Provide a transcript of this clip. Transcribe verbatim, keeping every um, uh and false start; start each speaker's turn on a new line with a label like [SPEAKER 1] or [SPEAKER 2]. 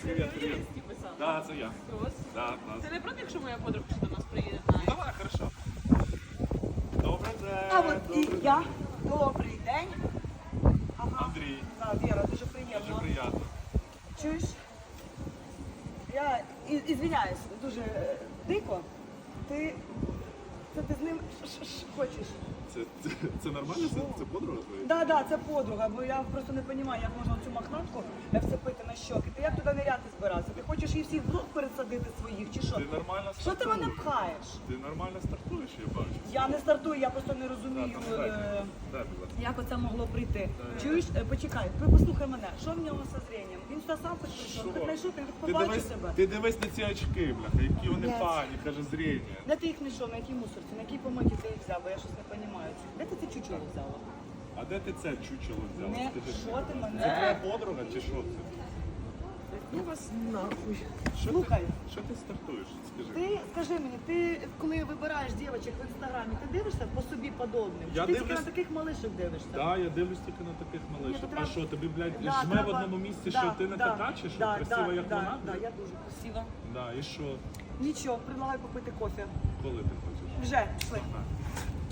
[SPEAKER 1] Привіт, привіт. Да, це я. Да, клас.
[SPEAKER 2] Ти не проти, якщо моя подруга ще до нас приїде?
[SPEAKER 1] Ну, давай, хорошо. Добрий день.
[SPEAKER 3] А от і
[SPEAKER 1] добрий
[SPEAKER 3] я.
[SPEAKER 1] день.
[SPEAKER 3] Добрий день. Ага.
[SPEAKER 1] Андрій,
[SPEAKER 3] Так, Віра, дуже
[SPEAKER 1] дуже
[SPEAKER 3] приємно.
[SPEAKER 1] приємно.
[SPEAKER 3] Чуєш? Я і- ізвиняюсь, дуже е, дико. Ти. Це ти з ним ш- ш- ш- хочеш?
[SPEAKER 1] Це, це, це нормально? Це, це подруга твоя?
[SPEAKER 3] Так, так, це подруга, бо я просто не розумію, як можна цю мохнатку вцепити на щоки. Ти як туди ниряти збирався? Ти хочеш її всіх в рот пересадити своїх чи що?
[SPEAKER 1] Ти нормально
[SPEAKER 3] Що ти мене
[SPEAKER 1] стартуєш?
[SPEAKER 3] пхаєш?
[SPEAKER 1] Ти нормально стартуєш, я бачу.
[SPEAKER 3] Я не стартую, я просто не розумію.
[SPEAKER 1] Так, там, дай,
[SPEAKER 3] е,
[SPEAKER 1] дай, будь ласка.
[SPEAKER 3] Як оце могло прийти?
[SPEAKER 1] Так.
[SPEAKER 3] Чуєш, Е, почекай, ви послухай мене, що в нього зі зрінням? Він сюди сам хоч прийшов,
[SPEAKER 1] Що?
[SPEAKER 3] хоч знайшов, він
[SPEAKER 1] Ти
[SPEAKER 3] побачив
[SPEAKER 1] дивись,
[SPEAKER 3] себе.
[SPEAKER 1] ти дивись на ці очки, бляха, які вони
[SPEAKER 3] Блядь.
[SPEAKER 1] пані, каже, зріння.
[SPEAKER 3] Де ти їх знайшов, на якій мусорці, на якій помоті ти їх взяв, бо я щось не розумію. Де ти ці чучело взяла?
[SPEAKER 1] А де ти це чучело взяла?
[SPEAKER 3] Не,
[SPEAKER 1] Скажи
[SPEAKER 3] що
[SPEAKER 1] мені.
[SPEAKER 3] ти
[SPEAKER 1] Це
[SPEAKER 3] мене?
[SPEAKER 1] твоя подруга чи що це?
[SPEAKER 3] Ну вас нахуй.
[SPEAKER 1] Що
[SPEAKER 3] Слухай.
[SPEAKER 1] Ти, що ти стартуєш? Скажи.
[SPEAKER 3] Ти скажи мені, ти коли вибираєш дівчат в інстаграмі, ти дивишся по собі подобним?
[SPEAKER 1] Я
[SPEAKER 3] Чи ти тільки
[SPEAKER 1] дивлюсь-
[SPEAKER 3] на таких малишок дивишся?
[SPEAKER 1] Да, я дивлюсь тільки на таких
[SPEAKER 3] Ні,
[SPEAKER 1] малишок.
[SPEAKER 3] то
[SPEAKER 1] А
[SPEAKER 3] треба-
[SPEAKER 1] що, тобі, блядь,
[SPEAKER 3] Да,
[SPEAKER 1] жме
[SPEAKER 3] треба-
[SPEAKER 1] в одному місці,
[SPEAKER 3] да,
[SPEAKER 1] що ти не
[SPEAKER 3] да,
[SPEAKER 1] така, чи що?
[SPEAKER 3] да,
[SPEAKER 1] Красива,
[SPEAKER 3] да,
[SPEAKER 1] як
[SPEAKER 3] да,
[SPEAKER 1] вона?
[SPEAKER 3] Да, я дуже красива.
[SPEAKER 1] Да, і що?
[SPEAKER 3] Нічого, предлагаю попити кофе.
[SPEAKER 1] Коли ти хочеш?
[SPEAKER 3] Вже, пішли.
[SPEAKER 1] На.